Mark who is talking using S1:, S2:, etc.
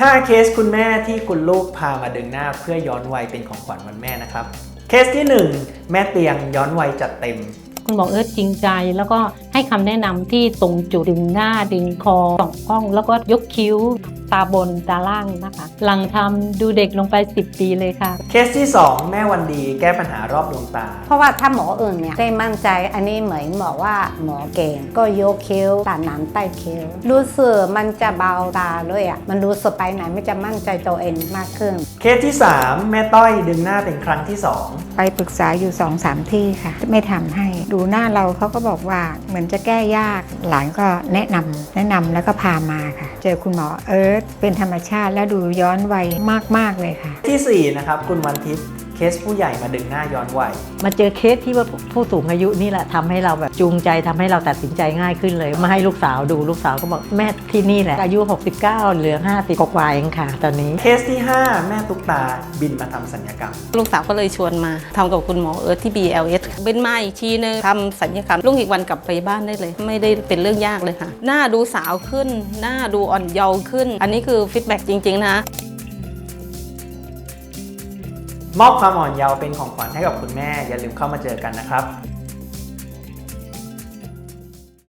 S1: 5 เคสคุณแม่ที่คุณลูกพามาดึงหน้าเพื่อย้อนวัยเป็นของขวัญวันแม่นะครับเคสที่ 1 แม่เตียงย้อนวัยจัดเต็ม
S2: คุณหมอจริงใจแล้วก็ให้คำแนะนำที่ตรงจุดดึงหน้าดึงคอส่องกล้องแล้วก็ยกคิ้วตาบนตาล่างนะคะหลังทำดูเด็กลงไป10 ปีเลยค่ะ
S1: เคสที่ 2 แม่วันดีแก้ปัญหารอบดวงตา
S3: เพราะว่าถ้าหมออื่นเนี่ยได้มั่นใจอันนี้เหมือนหมอว่าหมอเก่งก็ยกคิ้วตัดหนังใต้คิ้วรู้สึกมันจะเบาตาด้วยอ่ะมันรู้สึกไปไหนไม่จะมั่นใจตัวเองมากขึ้น
S1: เคสที่ 3 แม่ต้อยดึงหน้าเป็นครั้งที่ 2
S4: ไปปรึกษาอยู่ 2-3 ที่ค่ะไม่ทำให้ดูหน้าเราเขาก็บอกว่าเหมือนจะแก้ยากหลานก็แนะนำแล้วก็พามาค่ะเจอคุณหมอเป็นธรรมชาติและดูย้อนวัยมากเลยค่ะ
S1: ที่4นะครับคุณวันทิพย์เคสผู้ใหญ่มาดึงหน้าย้อนวัย
S5: มาเจอเคสที่ว่าผู้สูงอายุนี่แหละทำให้เราแบบจูงใจทำให้เราตัดสินใจง่ายขึ้นเลยมาให้ลูกสาวดูลูกสาวก็บอกแม่ที่นี่แหละอายุ69เหลือ50กว่าเองค่ะตอนนี้
S1: เคสที่ 5 แม่ตุ๊กตาบินมาทำศัลยกรรม
S6: ลูกสาวก็เลยชวนมาทำกับคุณหมอที่ BLS เป็นมาอีกทีนึงทำศัลยกรรมลุงอีกวันกลับไปบ้านได้เลยไม่ได้เป็นเรื่องยากเลยค่ะหน้าดูสาวขึ้นหน้าดูอ่อนเยาว์ขึ้นอันนี้คือฟีดแบ็กจริงๆนะ
S1: มอบความอ่อนเยาว์เป็นของขวัญให้กับคุณแม่อย่าลืมเข้ามาเจอกันนะครับ